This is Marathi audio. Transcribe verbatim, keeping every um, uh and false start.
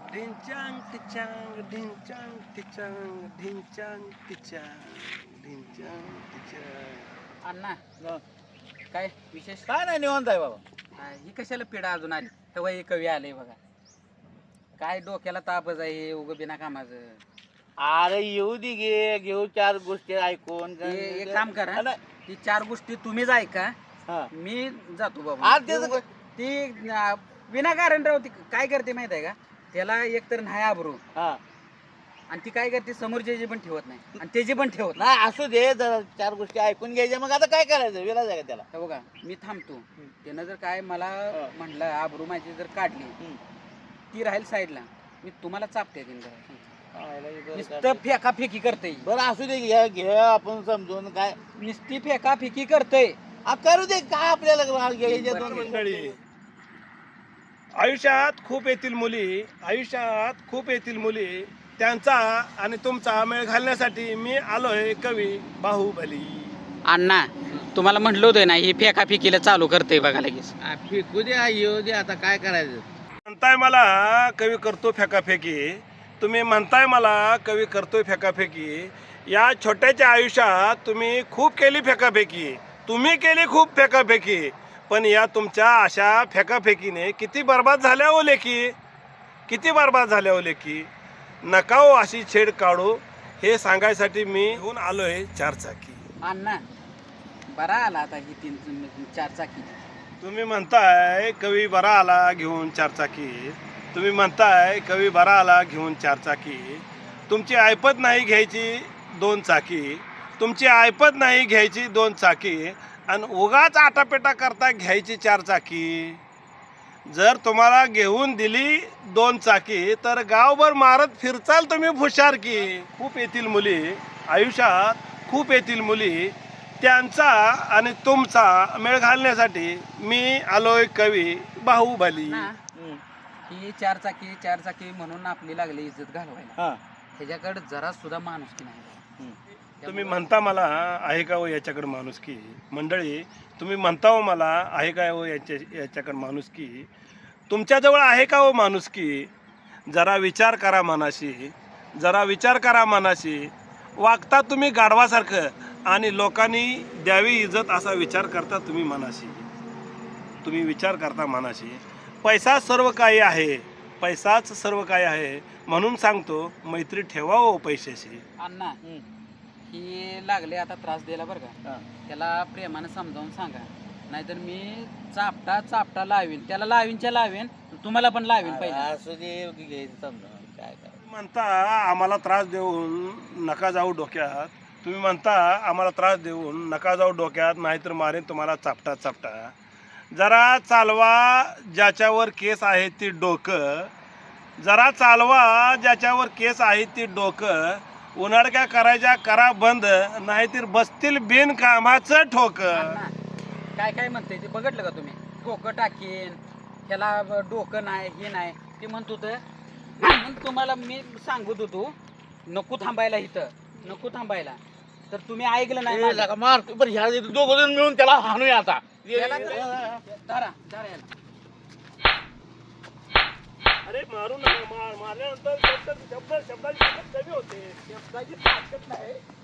ढिंचांग टिचांग ढिंचांग टिचांग ढिंचांग टिचांग ढिंचांग टिचांग. अण्णा काय विशेष? काय नाही निवांत आहे बाबा. हा, ही कशाला पिढा अजून आली तेव्हा हे कवी आले बघा. काय डोक्याला तापच आहे उग बिना कामाचं. अरे येऊ दे गे घेऊ चार गोष्टी ऐकून. हे- एक काम करा हा, ती चार गोष्टी तुम्हीच ऐका हा. मी जातो बाबा. आज त्याचं- ती अं, विनाकारण राव ती काय करते माहित आहे का? त्याला एक तर नाही आबरू हा. आणि ती काय करते समोरचे पण ठेवत नाही आणि त्याची पण ठेवत नाही असू दे जरा चार गोष्टी ऐकून घ्यायच्या. मग आता काय करायचं विलाज आहे का त्याला? नाही. बघा मी थांबतो. त्यानं जर काय मला हा. म्हणलं आबरू माझी जर काढली हम्म. ती राहील साईडला मी तुम्हाला चापते तीन जरा. आयला हे बरं नुसतं का? फेका फेकी करते बरं असू दे घ्या घे आपण समजून काय नुसती फेका फेकी करतय. आ, करू दे काय आपल्याला घ्यायच्या दोन बरं. मंडळी आयुष्यात खूप येतील मुली आयुष्यात खूप येतील मुली त्यांचा आणि तुमचा मेळ घालण्यासाठी मी आलोय कवी बाहुबली. अण्णा तुम्हाला म्हटलं होतं ना ही फेका फेकीला चालू करते बघा लगेच. आ, फेकू दे आ, येऊ दे आता काय करायचं. म्हणताय मला कवी करतो फेकाफेकी. तुम्ही म्हणताय मला कवी करतोय फेकाफेकी. या छोट्याच्या आयुष्यात तुम्ही खूप केली फेकाफेकी. तुम्ही केली खूप फेकाफेकी. पण या तुमच्या अशा फेकाफेकीने किती बर्बाद झाल्या हो लेकी. किती बर्बाद झाल्या हो लेकी. नका हो अशी छेड काढू हे सांगायसाठी मी घेऊन आलोय चारचाकी. अण्णा बरा आला आता ही तीन चार चाकी. तुम्ही म्हणताय कवी बरा आला घेऊन चारचाकी. तुम्ही म्हणताय कवी बरा आला घेऊन चारचाकी. तुमची ऐपत नाही घ्यायची दोन चाकी. तुमची ऐपत नाही घ्यायची दोन चाकी आणि उगाच आटापेटा करता घ्यायची चार चाकी. जर तुम्हाला घेऊन दिली दोन चाकी तर गावभर मारत फिरचाल तुम्ही फुशारकी. खूप येतील मुली आयुष्यात खूप येतील मुली त्यांचा आणि तुमचा मेळ घालण्यासाठी मी आलोय कवी बाहुबली. ना, ही चार चाकी चार चाकी म्हणून आपली लागली इज्जत घालवायला. हा. ह्याच्याकडे जरा सुद्धा माणुसकी नाही. तुम्ही म्हणता मला आहे का हो याच्याकडे माणुसकी. मंडळी तुम्ही म्हणता हो मला आहे का हो याच्या याच्याकडे माणुसकी. तुमच्याजवळ आहे का हो माणुसकी. जरा विचार करा मनाशी. जरा विचार करा मनाशी. वागता तुम्ही गाढवासारखं आणि लोकांनी द्यावी इज्जत असा विचार करता तुम्ही मनाशी. तुम्ही विचार करता मनाशी. पैसा सर्व काही आहे. पैसाच सर्व काही आहे म्हणून सांगतो मैत्री ठेवा हो पैशाशी. अण्णा ही लागले आता त्रास द्यायला बरं का. हा. त्याला प्रेमानं समजावून सांगा नाहीतर मी चापटा चापटा लावीन त्याला लावीनच्या लावीन तुम्हाला पण लावीन पाहिजे. असू दे घ्यायचं समजून काय करायचं. म्हणता आम्हाला त्रास देऊन नका जाऊ डोक्यात. तुम्ही म्हणता आम्हाला त्रास देऊन नका जाऊ डोक्यात नाहीतर मारेन तुम्हाला चापटा चापटा. जरा चालवा ज्याच्यावर केस आहे ती डोकं. जरा चालवा ज्याच्यावर केस आहे ती डोकं. उन्हाळक्या करायच्या करा बंद नाहीतर बसतील बिनकामाचं ठोक. अण्णा, काय काय म्हणते ते बघितलं का तुम्ही. डोकं टाकीन त्याला डोकं नाही हे नाही ते म्हणत होतं. म्हणून तुम्हाला मी सांगत होतो नको थांबायला इथं नको थांबायला तर तुम्ही ऐकलं नाही माझं. लगा मार बरं ह्या दोघ जण मिळून त्याला हाणूया आता. याला तर- धरा धरा याला. अरे मारू नका. मार मारल्यानंतर शब्द शब्द शब्दाची ताकद कमी होते. शब्दाची ताकद नाही